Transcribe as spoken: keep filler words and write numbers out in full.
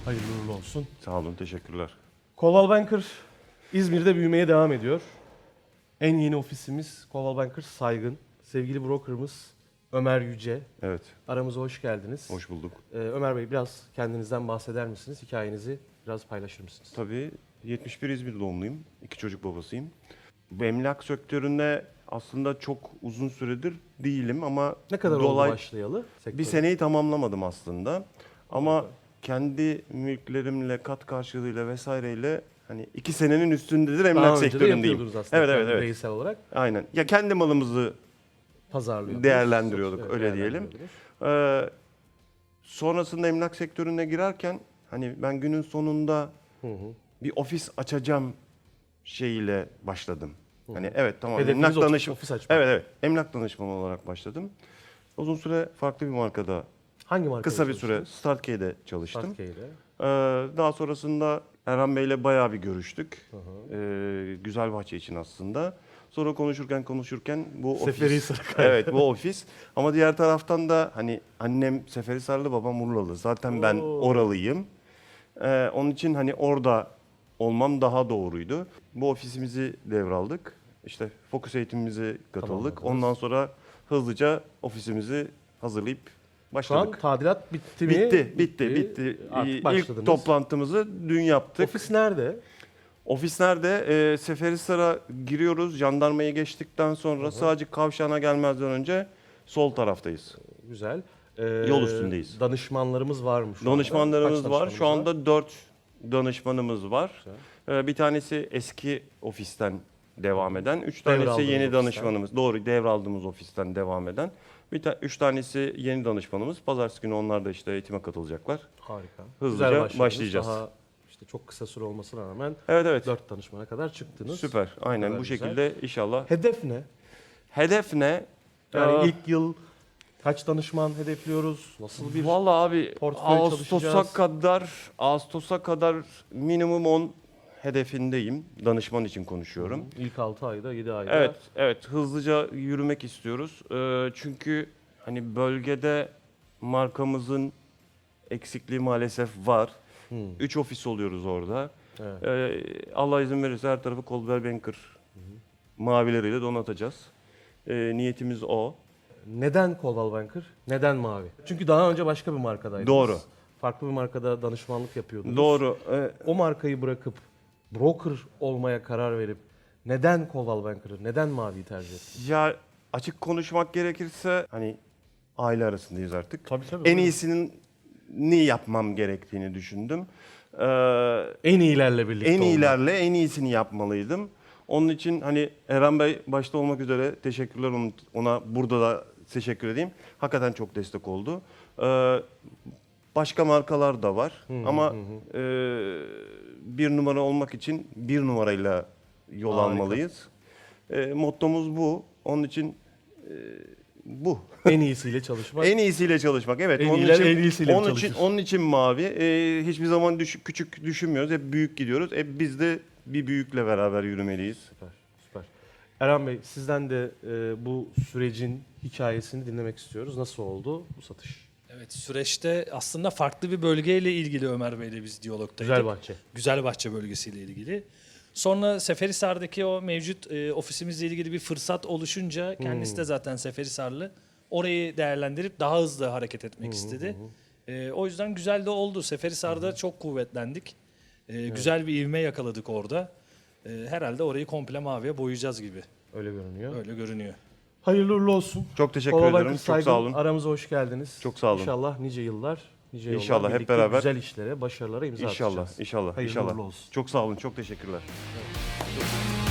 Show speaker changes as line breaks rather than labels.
Hayırlı uğurlu olsun.
Sağ olun, teşekkürler.
Coldwell Banker İzmir'de büyümeye devam ediyor. En yeni ofisimiz Coldwell Banker Saygın. Sevgili brokerımız Ömer Yüce.
Evet,
Aramıza hoş geldiniz.
hoş bulduk.
Ee, Ömer Bey, biraz kendinizden bahseder misiniz? Hikayenizi biraz paylaşır mısınız?
Tabii yetmiş bir İzmir doğumluyum. İki çocuk babasıyım. Bu emlak sektöründe aslında çok uzun süredir değilim ama
Ne kadar
dolay-
oldu başlayalı? sektöre?
bir seneyi tamamlamadım aslında. Ama kendi mülklerimle, kat karşılığıyla vesaireyle hani iki senenin üstündedir emlak
Daha önce de
sektöründeyim.
yapıyordunuz aslında
Evet, evet,
kendi
evet.
bireysel olarak.
Aynen. Ya kendi malımızı
Pazarlıyordunuz.
değerlendiriyorduk,
Evet,
öyle diyelim.
değerlendiriyordunuz.
Ee, sonrasında emlak sektörüne girerken hani ben günün sonunda
Hı hı.
bir ofis açacağım şeyiyle başladım. Hani evet tamam
Hedefiniz
emlak
ofis-
danışma
ofis açmak.
Evet evet emlak danışmanı olarak başladım. Uzun süre farklı bir markada
Hangi markada
kısa bir süre
çalıştınız?
Startkey'de çalıştım.
Startkey'de.
Ee, daha sonrasında Erhan Bey'le bayağı bir görüştük.
Hı hı.
Ee, Güzelbahçe için aslında. Sonra konuşurken konuşurken bu ofis.
Seferihisar'a kaydı.
Evet bu ofis. Ama diğer taraftan da hani annem Seferihisarlı, babam Urlalı. Zaten ben
Oo.
oralıyım. Ee, onun için hani orada olmam daha doğruydu. Bu ofisimizi devraldık. İşte fokus eğitimimize katıldık.
Tamamladınız.
Ondan sonra hızlıca ofisimizi hazırlayıp
Şu
başladık.
an tadilat bitti mi?
Bitti, bitti, bitti.
Artık
İlk
başladınız.
toplantımızı dün yaptık.
Ofis nerede?
Ofis nerede? Ee, Seferihisar'a giriyoruz. Jandarmayı geçtikten sonra sadece kavşağına gelmezden önce sol taraftayız.
Güzel. Ee,
Yol üstündeyiz.
Danışmanlarımız var mı şu anda?
Danışmanlarımız
Kaç
var. Şu
danışmanımız
anda dört danışmanımız var.
Güzel.
Ee, bir tanesi eski ofisten devam eden. Üç tanesi
Devraldığınız
yeni
ofisten.
danışmanımız. Doğru, devraldığımız ofisten devam eden. Bir ta- üç tanesi yeni danışmanımız. Pazartesi günü onlar da işte eğitime katılacaklar.
Harika.
Hızlıca
Güzel başladınız.
başlayacağız.
Daha işte çok kısa süre olmasına rağmen
Evet evet.
dört danışmana kadar çıktınız.
Süper. Aynen
kadar
bu
güzel.
şekilde inşallah.
Hedef ne?
Hedef ne?
Yani
Aa,
ilk yıl kaç danışman hedefliyoruz? Nasıl bir
Vallahi abi
portföy
Ağustos'a
çalışacağız?
kadar Ağustos'a kadar minimum on hedefindeyim. Danışman için konuşuyorum.
ilk altı ayda, yedi ayda?
Evet, evet hızlıca yürümek istiyoruz. Ee, çünkü hani bölgede markamızın eksikliği maalesef var.
Hmm.
Üç ofis oluyoruz orada.
Evet.
Ee, Allah izin verirse her tarafı Coldwell Banker mavileriyle donatacağız. Ee, niyetimiz o.
Neden Coldwell Banker? Neden mavi? Çünkü daha önce başka bir markadaydınız.
Doğru.
Farklı bir markada danışmanlık yapıyordunuz.
Doğru. Ee,
O markayı bırakıp broker olmaya karar verip neden Coldwell Banker'ı, neden maviyi tercih ettiniz?
Ya açık konuşmak gerekirse hani aile arasındayız artık.
Tabii tabii.
En iyisinin ne yapmam gerektiğini düşündüm. Ee,
En iyilerle birlikte
en
olmak.
iyilerle en iyisini yapmalıydım. Onun için hani Eren Bey başta olmak üzere teşekkürler onun- ona burada da teşekkür edeyim. Hakikaten çok destek oldu. Ee, başka markalar da var ama e, bir numara olmak için bir numarayla yol
Harika.
almalıyız. E, mottomuz bu. Onun için e, bu.
En iyisiyle çalışmak.
En iyisiyle çalışmak. Evet.
En
onun
iyiler
için,
en iyisiyle
onun
çalışır.
için onun için mavi. E, hiçbir zaman düş- küçük düşünmüyoruz. Hep büyük gidiyoruz. E, biz de bir büyükle beraber yürümeliyiz.
Süper, süper. Erhan Bey, sizden de e, bu sürecin hikayesini dinlemek istiyoruz. Nasıl oldu bu satış?
Evet, süreçte aslında farklı bir bölgeyle ilgili Ömer Bey'le biz diyalogdaydık.
Güzelbahçe.
Güzelbahçe bölgesiyle ilgili. Sonra Seferihisar'daki o mevcut e, ofisimizle ilgili bir fırsat oluşunca kendisi de zaten Seferihisarlı. Orayı değerlendirip daha hızlı hareket etmek istedi. E, o yüzden güzel de oldu. Seferihisar'da çok kuvvetlendik. E, Güzel bir ivme yakaladık orada. E, herhalde orayı komple maviye boyayacağız gibi.
Öyle görünüyor.
Öyle görünüyor.
Hayırlı uğurlu olsun.
Çok teşekkür
Coldwell
ederim.
Banker
Çok
Saygın,
sağ olun.
aramıza hoş geldiniz.
Çok sağ olun.
İnşallah nice yıllar, nice yıllar
İnşallah hep
birlikte
beraber.
güzel işlere, başarılara imza
İnşallah,
atacağız.
inşallah,
Hayırlı
inşallah.
uğurlu olsun.
Çok sağ olun. Çok teşekkürler.